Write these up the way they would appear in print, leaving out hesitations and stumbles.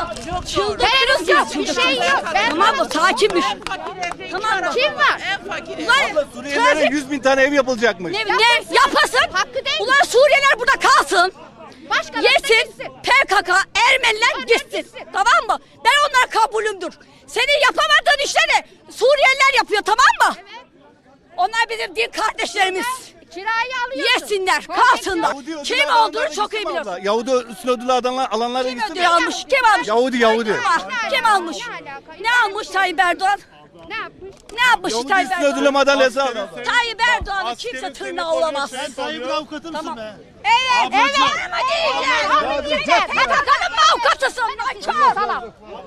Çıldırdınız ya. Bir şey yok. Tamam mı? Sakinmiş. Tamam mı? Kim var? Ulan Suriyelilere 100.000 tane ev yapılacakmış. ne yapasın? Hakkı değil mi? Ulan Suriyeliler burada kalsın. Başkaları da Yesin, gitsin. PKK, Ermeniler gitsin. Tamam mı? Ben onlar kabulümdür. Senin yapamadığın işleri Suriyeliler yapıyor, tamam mı? Onlar bizim din kardeşlerimiz. Kirayı alıyorsun. Yesinler, kalsınlar. Yahudi ödül Kim alanlara olduğunu çok iyi gitsin mi biliyorsun. abla? Yahudi üstün ödülü alanlara Kim gitsin ödül mi? almış? Kim almış? Yahudi. Kim almış? Ne almış Tayyip Erdoğan? Ne yapmış? Ne yapmış Yahudi Tayyip üstün Erdoğan? ödülü madalyası aldı. Tayyip Erdoğan'ın kimse tırnağı olamaz. Sen Tayyip'in avukatı mısın be? Evet, ama değiller. PKK'nın mı avukatısın? Nankör.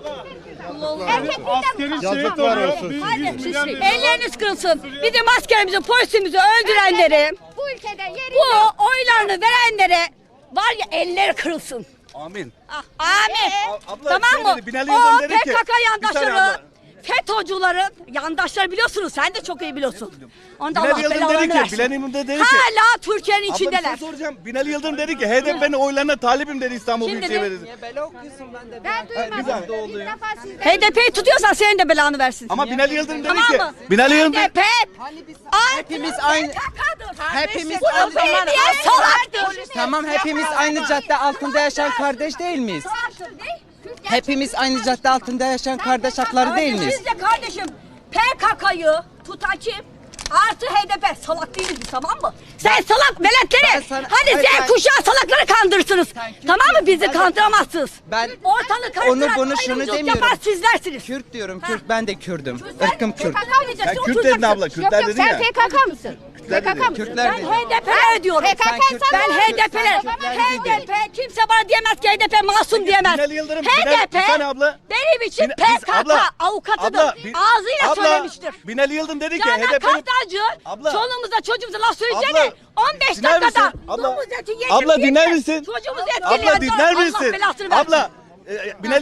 Yazıklar olsun. Hadi, elleriniz kırılsın. Bizim askerimizi, polisimizi öldürenleri, Bu ülkede yeri bu yok. oylarını verenlere var ya elleri kırılsın. Amin. Ah, amin. Abla, Tamam mı? dedi, Binali Yıldırım O dedi ki- PKK Bir saniye yandaşları, abla. FETÖ'cülerin yandaşları biliyorsunuz. Sen de çok iyi biliyorsun. Onda Allah Binali Yıldırım belalarını dedi ki, versin. Binali Yıldırım dedi ki, Hala Türkiye'nin abla bir şey içindeler. soracağım. Binali Yıldırım dedi ki HDP'nin oylarına talibim dedi İstanbul Kim Büyükşehir dedi? Belediyesi. Ben duymadım. İlk defa sizden. HDP'yi tutuyorsan senin de belanı versin. Ama Binali Yıldırım dedi Tamam ki, mı? Binali Yıldırım HDP Hepimiz aynı. Hepimiz Hepimiz aynı. belediye salaktır. Tamam, hepimiz aynı cadde altında yaşayan kardeş değil miyiz? Hepimiz aynı cadde altında yaşayan kardeş hakları değil miyiz? Siz de kardeşim PKK'yı tutan kim? Artı HDP salak değiliz biz, tamam mı? Sen salak Ben veletleri. sana- Hadi Hayır, sen kuşağı salakları kandırırsınız. Tamam mı? Bizi kandıramazsınız. Ben Ortalığı karıştıran bunu şunu ayrımcılık demiyorum. yapan sizlersiniz. Kürt diyorum, Kürt, ben de Kürdüm. Sen Irkım Kürt. PKK diyeceksin, Sen Kürt oturacaksın. dedin abla, Kürtler dedin Sen ya. PKK mısın? Kürtler PKK dedi. mısın? Kürtler Ben dedi. HDP'ler diyorum. PKK Ben sana- HDP'ler. HDP kimse bana diyemez ki HDP masum diyemez. Binali Yıldırım, HDP bir tane abla. benim için Biz- PKK abla, avukatıdır. abla, Ağzıyla söylemiştir. Binali Yıldırım dedi ki Canan HDP'nin... Kartacı Abla. çoluğumuza çocuğumuza laf söyleyeceğine Abla, 15 dinler dakikada misin? Abla, domuz eti yedim abla diye dinler misin? Çocuğumuzu etkiliyor. Abla dinler Allah misin? belasını versin. Abla, Binali